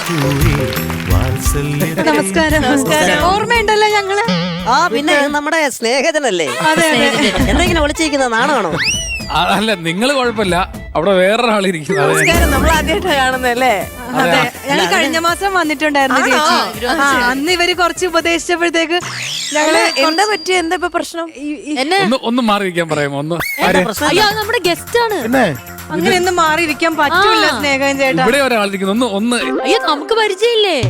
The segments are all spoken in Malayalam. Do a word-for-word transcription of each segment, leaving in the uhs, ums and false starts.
നമസ്കാരം. നമസ്കാരം. ഓർമ്മയുണ്ടല്ലോ ഞങ്ങള്? ആ പിന്നെ നമ്മുടെ സ്നേഹിതനല്ലേ? എന്തെങ്കിലും വിളിച്ചിരിക്കുന്ന നാണമാണോ? അല്ല, നിങ്ങള് കുഴപ്പമില്ല, അവിടെ വേറൊരാളിരിക്കുന്നു. നമ്മൾ ആദ്യമായിട്ടാണ് കാണുന്നല്ലേ? അതെ, ഞങ്ങൾ കഴിഞ്ഞ മാസം വന്നിട്ടുണ്ടായിരുന്നു ചേച്ചി. ആ, അന്ന് ഇവര് കുറച്ച് ഉപദേശിച്ചപ്പോഴത്തേക്ക് ഞങ്ങള് എന്താ പറ്റിയ, എന്താ ഇപ്പൊ പ്രശ്നം? ഒന്ന് ഒന്ന് മാറി വയ്ക്കാൻ പറയാമോ? ഒന്ന് അയ്യോ, നമ്മുടെ ഗസ്റ്റ് ആണ്. അങ്ങനെയൊന്നും മാറിയിരിക്കാൻ പറ്റൂല സ്നേഹം ചേട്ടാ. ഇവിടെ ഒരാളിരിക്കുന്നു. ഒന്ന് ഒന്ന് അയ്യോ, നമുക്ക് പരിചയമില്ലേ?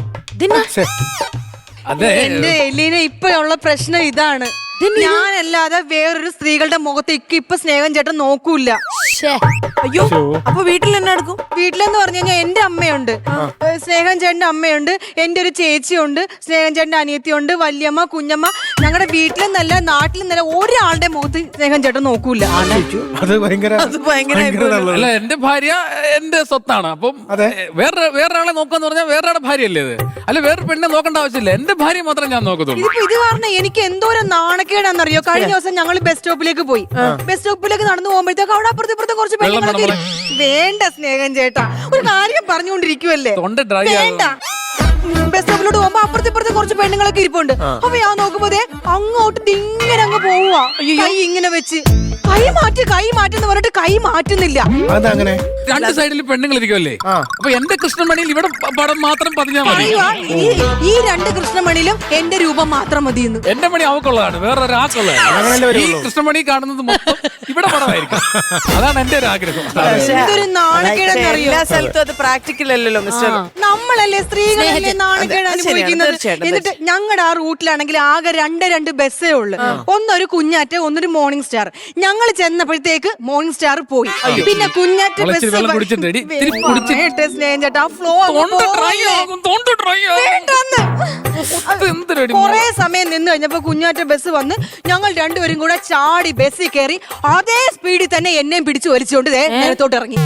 അതെ, എന്റെ എലീന ഇപ്പഴുള്ള പ്രശ്നം ഇതാണ്. ഞാനല്ലാതെ വേറൊരു സ്ത്രീകളുടെ മുഖത്തേക്ക് ഇപ്പൊ സ്നേഹം ചേട്ടൻ നോക്കൂല. അയ്യോ, അപ്പൊ വീട്ടിൽ തന്നെ എടുക്കും? വീട്ടിലെന്ന് പറഞ്ഞു കഴിഞ്ഞാൽ എന്റെ അമ്മയുണ്ട്, സ്നേഹം ചേട്ടന്റെ അമ്മയുണ്ട്, എന്റെ ഒരു ചേച്ചിയുണ്ട്, സ്നേഹം ചേട്ടന്റെ അനിയത്തിയുണ്ട്, വല്യമ്മ, കുഞ്ഞമ്മ. ഞങ്ങളുടെ വീട്ടിലെന്നല്ല നാട്ടിലെന്നല്ല ഒരാളുടെ മുഖത്ത് സ്നേഹം ചേട്ടൻ നോക്കൂല. അത് ഭയങ്കര അല്ല, എന്റെ ഭാര്യ എന്റെ സ്വത്താണ്. അപ്പം വേറെ വേറൊരാളെ നോക്കാന്ന് പറഞ്ഞാൽ വേറൊരാളുടെ ഭാര്യയല്ലേ ഇത്? അല്ല, വേറെ പെണ്ണെ നോക്കേണ്ട ആവശ്യമില്ല, എന്റെ ഭാര്യ മാത്രം ഞാൻ നോക്കത്തുള്ളൂ. ഇതിപ്പോ ഇത് കാരണം എനിക്ക് എന്തോരം നാണക്കേടാന്നറിയോ? കഴിഞ്ഞ ദിവസം ഞങ്ങൾ ബസ് സ്റ്റോപ്പിലേക്ക് പോയി. ബസ് സ്റ്റോപ്പിലേക്ക് നടന്നു പോകുമ്പോഴത്തേക്ക് അവിടെ അപ്പുറത്ത് ഇപ്പുറത്ത് കുറച്ച് പെണ്ണുങ്ങളൊക്കെ ഇരി- വേണ്ട സ്നേഹം ചേട്ടാ, ഒരു കാര്യം പറഞ്ഞുകൊണ്ടിരിക്കുവല്ലേ, തൊണ്ട ഡ്രൈ വേണ്ട. ബസ് സ്റ്റോപ്പിലോട്ട് പോകുമ്പോ അപ്പുറത്ത് ഇപ്പുറത്ത് കുറച്ച് പെണ്ണുങ്ങളൊക്കെ ഇരിപ്പുണ്ട്. അപ്പൊ ഞാൻ നോക്കുമ്പോ ദേ അങ്ങോട്ട് ഇങ്ങനെ അങ്ങ് പോവുക, കൈ ഇങ്ങനെ വെച്ച്. കൈ മാറ്റി കൈ മാറ്റെന്ന് പറഞ്ഞിട്ട് കൈ മാറ്റുന്നില്ല. അതങ്ങനെ രണ്ട് സൈഡിൽ പെണ്ണുങ്ങൾ ഇരിക്കുമല്ലേ? അപ്പൊ എന്റെ കൃഷ്ണമണിയിൽ ഇവിടെ പടം മാത്രം പതിഞ്ഞാൽ മതി. ഈ- ഈ രണ്ട് കൃഷ്ണമണിയിലും എന്റെ രൂപം മാത്രം മതിയെന്ന്. എന്റെ മണി അവക്കുള്ളതാണ്, വേറെ ഒരാൾക്കുള്ളതാണ്. ഈ കൃഷ്ണമണി കാണുന്നത് മൊത്തം ഇവിടെ പടമായിരിക്കും. അതാണ് എന്റെ ഒരു ആഗ്രഹം. ഇതൊരു നാണക്കേടെന്നറിയോ? എല്ലാ സ്ഥലത്തും അത് പ്രാക്ടിക്കൽ അല്ലല്ലോ മിസ്റ്റർ. നമ്മളല്ലേ സ്ത്രീകളല്ലേ നാണക്കേട് അത് അനുഭവിക്കുന്നത്. തീർച്ചയായിട്ടും, എന്നിട്ട് ഞങ്ങളുടെ ആ റൂട്ടിലാണെങ്കിൽ ആകെ രണ്ട് രണ്ട് ബസ്സേ ഉള്ളു. ഒന്നൊരു കുഞ്ഞാറ്റ, ഒന്നൊരു മോർണിംഗ് സ്റ്റാർ. ഞങ്ങൾ ചെന്നപ്പോഴത്തേക്ക് മോർണിംഗ് സ്റ്റാർ പോയി. പിന്നെ കുഞ്ഞാറ്റ ബസ് വെള്ളം കുടിച്ചിട്ട് എടി, ഇത്തിരി കുടിച്ചിട്ട് സ്നേഹം ചേട്ടാ, ഫ്ലോ തൊണ്ട dry ആകും, തൊണ്ട dry ആകും. എന്തൊരു കൊറേ സമയം നിന്ന് കഴിഞ്ഞപ്പോ കുഞ്ഞാറ്റ ബസ് വന്ന് ഞങ്ങൾ രണ്ടുപേരും കൂടെ ചാടി ബസ്സിൽ കയറി അതേ സ്പീഡിൽ തന്നെ എന്നെയും പിടിച്ചു വലിച്ചുകൊണ്ട് നേരത്തോട്ട് ഇറങ്ങി.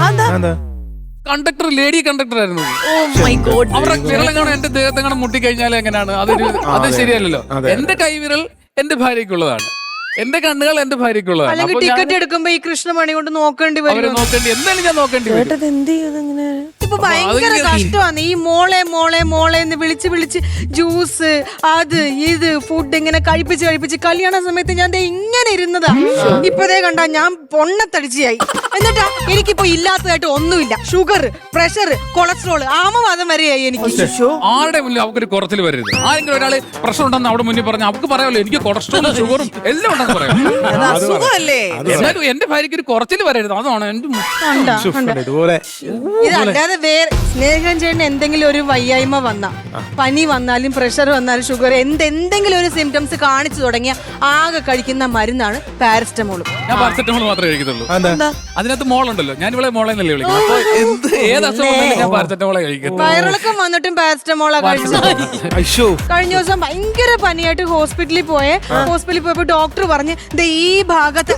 കണ്ടക്ടർ ലേഡി കണ്ടക്ടർ ആയിരുന്നു. Oh my god. അവരുടെ വിരളം കാണാൻ എന്റെ ദേഹത്തെ കാണാൻ മുട്ടിക്കഴിഞ്ഞാൽ എങ്ങനെയാണ്? അതൊരു അത് ശരിയല്ലല്ലോ. എന്റെ കൈവിരൽ എന്റെ ഭാര്യക്കുള്ളതാണ്, എന്റെ കണ്ണുകൾ എന്റെ ഭാര്യക്കുള്ളതാണ്. അല്ലെങ്കിൽ ടിക്കറ്റ് എടുക്കുമ്പോ ഈ കൃഷ്ണമണി കൊണ്ട് നോക്കേണ്ടി അവരെ വരും. നോക്കേണ്ടി എന്തായാലും ഞാൻ നോക്കേണ്ടി വരും. എന്ത് ചെയ്തങ്ങനെ? ഇപ്പൊ ഭയങ്കര കഷ്ടമാണ് ഈ മോളെ മോളെ മോളെ എന്ന് വിളിച്ച് വിളിച്ച് ജ്യൂസ് അത് ഇത് ഫുഡ് ഇങ്ങനെ കഴിപ്പിച്ച് കഴിപ്പിച്ച് കല്യാണ സമയത്ത് ഞാൻ ദേ ഇങ്ങനെ ഇരുന്നതാ. ഇപ്പതേ കണ്ടാ ഞാൻ പൊണ്ണത്തടിച്ചായി. എന്നിട്ടാ എനിക്കിപ്പോ ഇല്ലാത്തതായിട്ട് ഒന്നുമില്ല. ഷുഗർ, പ്രഷർ, കൊളസ്ട്രോൾ, ആമവാദം വരെയായി എനിക്ക്. ആരുടെ മുന്നിൽ അവക്കൊരു കുറച്ചിൽ വരരുത്. ആരെങ്കിലും ഒരാള് പ്രശ്നം ഉണ്ടെന്ന് അവിടെ മുന്നിൽ പറഞ്ഞാൽ അവർക്ക് പറയാമല്ലോ എനിക്ക് കൊളസ്ട്രോളും ഷുഗറും എല്ലാം ഉണ്ടെന്ന് പറയാം. അസുഖമല്ലേ? എന്നാലും എന്റെ ഭാര്യക്ക് ഒരു കുറച്ചിൽ വരരുത്, അതാണ് എന്റെ കണ്ടാ, കണ്ടാ. ഇതുപോലെ ഇതല്ലാതെ വേറെ സ്നേഹം ചേട്ടന് എന്തെങ്കിലും ഒരു വയ്യായ്മ വന്ന, പനി വന്നാലും പ്രഷർ വന്നാലും ഷുഗർ എന്ത് എന്തെങ്കിലും ഒരു സിംറ്റംസ് കാണിച്ചു തുടങ്ങിയ ആകെ കഴിക്കുന്ന മരുന്നാണ് പാരസ്റ്റമോൾ. ഞാൻ പാരസെറ്റമോൾ മാത്രമേ കഴിക്കത്തുള്ളൂ. അതിനകത്ത് മോളുണ്ടല്ലോ, ഞാൻ ഇവിടെ മോളെ എന്നല്ലേ വിളിക്കുന്നത്. അപ്പൊ എന്ത് ഏത് അസുഖം വന്നാലും ഞാൻ പാരസെറ്റമോളെ കഴിക്കും. വയറിളക്കം വന്നിട്ടും പാരസ്റ്റമോളാ കഴിച്ചത്. കഴിഞ്ഞ ദിവസം ഭയങ്കര പനിയായിട്ട് ഹോസ്പിറ്റലിൽ പോയേ. ഹോസ്പിറ്റലിൽ പോയപ്പോ ഡോക്ടർ പറഞ്ഞ് ദേ ഈ ഭാഗത്ത്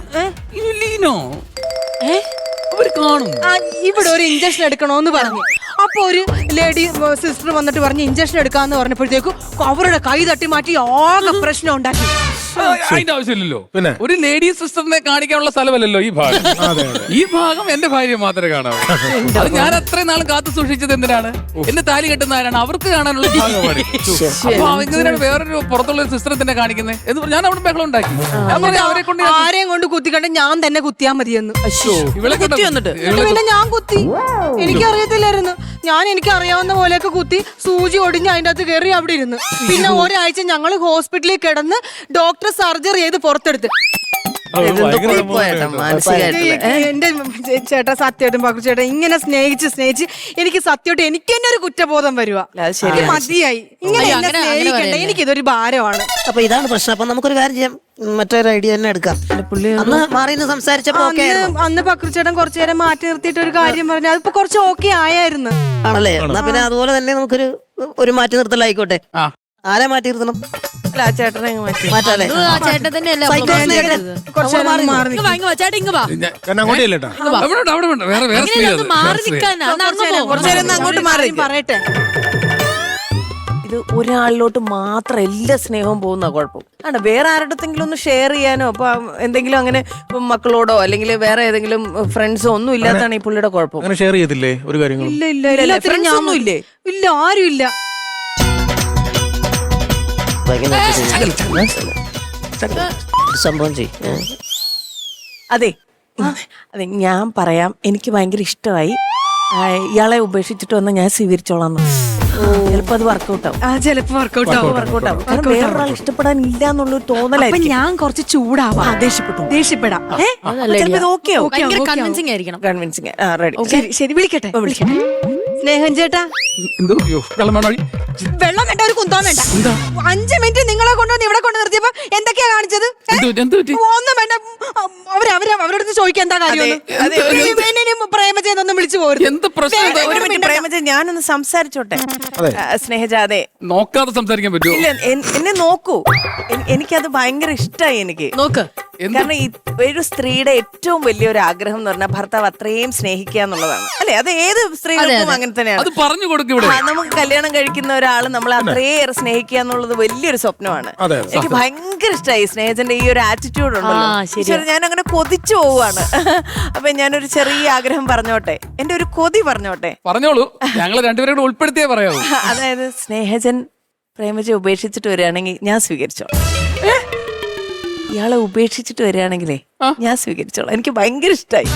അവര് കാണും ആ, ഇവിടെ ഒരു ഇഞ്ചക്ഷൻ എടുക്കണോന്ന് പറഞ്ഞു. അപ്പൊ ഒരു ലേഡി സിസ്റ്റർ വന്നിട്ട് പറഞ്ഞ് ഇഞ്ചക്ഷൻ എടുക്കാന്ന് പറഞ്ഞപ്പോഴത്തേക്കും അവരുടെ കൈ തട്ടി മാറ്റി ആകെ പ്രശ്നം ഉണ്ടാക്കി. അതിന്റെ ആവശ്യമില്ലല്ലോ. ഒരു ലേഡി സിസ്റ്ററിനെ കാണിക്കാനുള്ള സ്ഥലമല്ലല്ലോ ഈ ഭാഗം. ഈ ഭാഗം എന്റെ ഭാര്യ മാത്രമേ കാണാവൂ. അത് ഞാൻ അത്രയും നാൾ കാത്തു സൂക്ഷിച്ചത് എന്തിനാണ്? എന്നെ താലി കെട്ടുന്ന ആരാണ്? അവർക്ക് കാണാനുള്ള ഭാഗമാണ്. അപ്പൊ എന്തിനാണ് വേറൊരു പുറത്തുള്ള സിസ്റ്ററെ തന്നെ കാണിക്കുന്നത് എന്ന് പറഞ്ഞാൽ ഞാൻ അവിടെ ബഹളം ഉണ്ടാക്കി. ഞാൻ പറഞ്ഞു അവരെ കൊണ്ട് ആരെയും കൊണ്ട് കുത്തിക്കണ്ട, ഞാൻ തന്നെ കുത്തിയാ മതിയെന്ന്. ഇവളെ കൊണ്ട് പിന്നെ ഞാൻ കുത്തി, എനിക്കറിയത്തില്ലായിരുന്നു. ഞാൻ എനിക്ക് അറിയാവുന്ന പോലെയൊക്കെ കുത്തി സൂചി ഒടിഞ്ഞ് അതിന്റെ അകത്ത് കയറി അവിടെ ഇരുന്ന്. പിന്നെ ഒരാഴ്ച ഞങ്ങൾ ഹോസ്പിറ്റലിൽ കിടന്ന് ഡോക്ടർ സർജറി ചെയ്ത് പുറത്തെടുത്ത്. എന്റെ ചേട്ടാ സത്യമായിട്ടും പകു ചേട്ടാ ഇങ്ങനെ സ്നേഹിച്ച് സ്നേഹിച്ച് എനിക്ക് സത്യമായിട്ട് എനിക്ക് തന്നെ ഒരു കുറ്റബോധം വരുക. മതിയായി ഇങ്ങനെ എന്നെ സ്നേഹിക്കണ്ട, എനിക്കിതൊരു ഭാരമാണ്. അപ്പൊ ഇതാണ് പ്രശ്നം. അപ്പൊ നമുക്കൊരു കാര്യം ചെയ്യാം, മറ്റൊരു ഐഡിയ തന്നെ എടുക്കാം. അന്ന് മാറിന്ന് സംസാരിച്ചപ്പോ അന്ന് പക്രുച്ചേട്ടൻ കുറച്ചു നേരം മാറ്റി നിർത്തിയിട്ട് ഒരു കാര്യം പറഞ്ഞു, അതിപ്പോ കുറച്ച് ഓക്കെ ആയായിരുന്നു. ആണല്ലേ? എന്നാ പിന്നെ അതുപോലെ തന്നെ നമുക്കൊരു ഒരു മാറ്റി നിർത്തലായിക്കോട്ടെ. ആരെ മാറ്റി നിർത്തണം? ചേട്ടനെ മാറ്റാല്ലേ? ചേട്ടൻ തന്നെയല്ലേ വേറെ വേറെ മാറി നിൽക്കാനാ? അങ്ങോട്ട് മാറി പറയട്ടെ. ഇത് ഒരാളിലോട്ട് മാത്രം എല്ലാ സ്നേഹവും പോകുന്ന കുഴപ്പം. ആണ് വേറെ ആരുടെങ്കിലും ഒന്ന് ഷെയർ ചെയ്യാനോ ഇപ്പൊ എന്തെങ്കിലും അങ്ങനെ ഇപ്പൊ മക്കളോടോ അല്ലെങ്കിൽ വേറെ ഏതെങ്കിലും ഫ്രണ്ട്സോ ഒന്നും ഇല്ലാത്തതാണ് ഈ പുള്ളിയുടെ കുഴപ്പം. അങ്ങനെ ഷെയർ ചെയ്തില്ലേ ഒരു കാര്യങ്ങളും? ഇല്ല ഇല്ല ഇല്ല, എല്ലാത്തിനും friends ഞാൻ ഒന്നും ഇല്ലേ? ഇല്ല ആരും ഇല്ല. സംഭവം ചെയ്യും. അതെ അതെ ഞാൻ പറയാം, എനിക്ക് ഭയങ്കര ഇഷ്ടമായി. ആ, ഇയാളെ ഉപേക്ഷിച്ചിട്ട് വന്ന് ഞാൻ സ്വീകരിച്ചോളാം. ചിലപ്പോ അത് വർക്കൗട്ട് ആവും. ആ ചിലപ്പോ വർക്കൗട്ട് ആവും. വർക്കൗട്ട് ആവും. കാരണം വേറൊരാൾ ഇഷ്ടപ്പെടാൻ ഇല്ല എന്നുള്ളൊരു അപ്പൊ തോന്നലായിരിക്കും. ഞാൻ കുറച്ച് ചൂടാവാം. ദേഷ്യപ്പെട്ടു ദേഷ്യപ്പെടാം. ഏ? അതല്ല ചിലപ്പോ ഇത് ഓക്കെ ആവും. ഭയങ്കര ഓക്കേ, കൺവിൻസിങ് ആയിരിക്കണം. കൺവിൻസിങ്. ആ റെഡി. ശരി ശരി വിളിക്കട്ടെ വിളിക്കട്ടെ. സ്നേഹം ചേട്ടാ, എന്തോ അയ്യോ, വെള്ളം വേണോ? വെള്ളം വേണ്ട, ഒരു കുന്തം വേണ്ട. അഞ്ചു മിനിറ്റ് നിങ്ങളെ കൊണ്ടുവന്ന് ഇവിടെ കൊണ്ട് നിർത്തിയപ്പോ എന്തൊക്കെയാ കാണിച്ചത്? ഏ? എന്ത് പറ്റി? എന്ത് പറ്റി? ഒന്നും വേണ്ട. അവര് അവര് അവരോട് ചോദിക്കാൻ എന്താ കാര്യം? അതെ, ഒരു- പ്രേമചേതൊന്നും വിളിച്ചു പോരുത്. എന്ത് പ്രശ്നം ഇത്? ഒരു മിനിറ്റ് പ്രേമജ, ഞാനൊന്ന് സംസാരിച്ചോട്ടെ. ആ, സ്നേഹജ, അതെ നോക്കാതെ സംസാരിക്കാൻ പറ്റുമോ? ഇല്ല എൻ- എന്നെ നോക്കൂ. എൻ- എനിക്കത് ഭയങ്കര ഇഷ്ടമായി എനിക്ക്. നോക്ക്. എന്ത്? കാരണം ഈ ഒരു സ്ത്രീയുടെ ഏറ്റവും വലിയൊരു ആഗ്രഹം എന്ന് പറഞ്ഞാൽ ഭർത്താവ് അത്രയും സ്നേഹിക്കുക എന്നുള്ളതാണ്. അല്ലെ, അത് ഏത് സ്ത്രീകൾക്കും അങ്ങനെ അത് തന്നെയാണ്. പറഞ്ഞു കൊടുക്കും ഇവിടെ. ആ, നമുക്ക് കല്യാണം കഴിക്കുന്ന ഒരാൾ നമ്മളെ അത്രയേറെ സ്നേഹിക്കുക എന്നുള്ളത് വലിയൊരു സ്വപ്നമാണ്. അതെ, എനിക്ക് ഭയങ്കര ഇഷ്ടമായി സ്നേഹത്തിന്റെ ഈ ഒരു ആറ്റിറ്റ്യൂഡ് ഉണ്ടല്ലോ. ആ, ശരിയാ. ഈശ്വരാ, ഞാൻ അങ്ങനെ കൊതിച്ചു പോവാണ്. അപ്പൊ ഞാനൊരു ചെറിയ ആഗ്രഹം പറഞ്ഞോട്ടെ, എന്റെ ഒരു കൊതി പറഞ്ഞോട്ടെ. പറഞ്ഞോളൂ, ഞങ്ങൾ രണ്ടുപേരും കൂടെ ഉൾപ്പെടുത്തിയേ പറയാവൂ. അതായത് സ്നേഹജൻ പ്രേമജ ഉപേക്ഷിച്ചിട്ട് വരികയാണെങ്കിൽ ഞാൻ സ്വീകരിച്ചോളാം. ഇയാളെ ഉപേക്ഷിച്ചിട്ട് വരികയാണെങ്കിലേ ഞാൻ സ്വീകരിച്ചോളാം. എനിക്ക് ഭയങ്കര ഇഷ്ടമായി.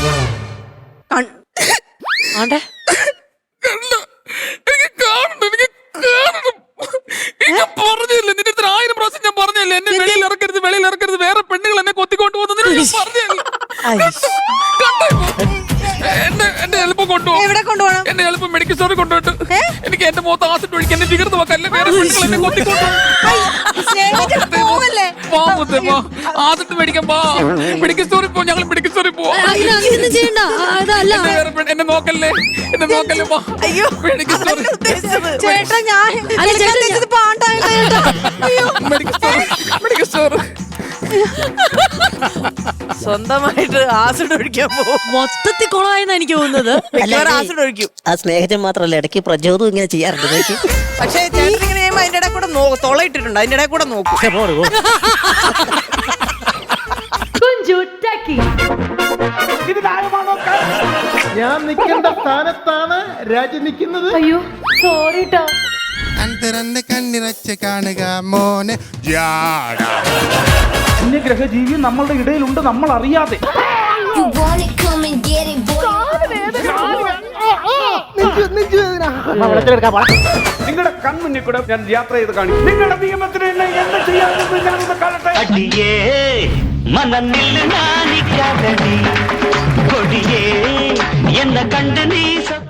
ആണ്ടെ കണ്ടോ? എനിക്ക് കാണണം, എനിക്ക് കാണണം. ഞാൻ പറഞ്ഞില്ലേ നിന്റെ അടുത്ത് ആയിരം പ്രാവശ്യം ഞാൻ പറഞ്ഞല്ലേ എന്നെ വെളിയിൽ ഇറക്കരുത്, വെളിയിൽ ഇറക്കരുത്, വേറെ പെണ്ണുകൾ എന്നെ കൊത്തിക്കൊണ്ട് പോകുന്നത് ഞാൻ പറഞ്ഞല്ലേ. കണ്ടോ ഇപ്പൊ? എന്നെ എന്നെ എളുപ്പം കൊണ്ടുപോകും. എവിടെ കൊണ്ടുപോകണം? എന്നെ എളുപ്പം മെഡിക്കൽ സ്റ്റോറിൽ കൊണ്ടുപോയിട്ട് എനിക്ക് എന്റെ മുഖത്ത് ആസിഡ് ഒഴിക്കാൻ എന്നെ വികൃത വെക്കല്ലേ, വേറെ പെണ്ണുകൾ എന്നെ കൊത്തിക്കൊണ്ടുപോകും. ആദ്യത്തെ മേടിക്കാൻ പോ, മെഡിക്കൽ സ്റ്റോറിൽ പോ, ഞങ്ങൾ മെഡിക്കൽ സ്റ്റോറിൽ പോവാം. അങ്ങനെ അങ്ങനെയൊന്നും ചെയ്യണ്ട. ആ, അതല്ല. എന്നെ വേറെ പെണ്ണ്- എന്നെ നോക്കല്ലേ, എന്നെ നോക്കല്ലേ, പോ. അയ്യോ, മെഡിക്കൽ സ്റ്റോറിൽ അതല്ല ഉദ്ദേശിച്ചത്. ചേട്ടാ ഞാൻ അല്ല, ചേട്ടാ, ഞാൻ- ഇത് പാണ്ടായില്ല ചേട്ടാ. അയ്യോ. Medical store, medical store. സ്വന്തമായിട്ട് ആസിഡ് ഒഴിക്കാൻ പോകും. മൊത്തത്തിൽ കുളമായെന്നാ എനിക്ക് തോന്നുന്നത്. മിക്കവാറും ആസിഡ് ഒഴിക്കും. ആ സ്നേഹജൻ മാത്രല്ല, ഇടയ്ക്ക് പ്രചോദം ഇങ്ങനെ ചെയ്യാറുണ്ട്. നോക്കി. പക്ഷേ ചേട്ടൻ ഇങ്ങനെ ചെയ്യുമ്പോ അതിന്റെ ഇടയിൽ കൂടെ നോ- തൊളയിട്ടിട്ടുണ്ട്, അതിന്റെ ഇടയിൽ കൂടെ നോക്കും. പക്ഷെ പോട് പോ. ഞാൻ നിൽക്കേണ്ട സ്ഥാനത്താണ് രാജി നിൽക്കുന്നത്. അന്തരന്റെ കണ്ണിറച്ച് കാണുക മോനെ ജാട. അന്യഗ്രഹജീവി നമ്മളുടെ ഇടയിലുണ്ട്, നമ്മൾ അറിയാതെ. You want it, come and get it, boy. നിങ്ങളുടെ കൺമുന്നിൽ കൂടെ ഞാൻ യാത്ര ചെയ്ത് കാണിക്കും. നിങ്ങളുടെ നിയമത്തിന് എന്നെ എന്ത് ചെയ്യാമെന്ന് ഞാനൊന്ന് കാണട്ടെ. അടിയേ മനന്നിൽ നാണിക്കാതടി കൊടിയേ എന്ന കണ്ട് നീ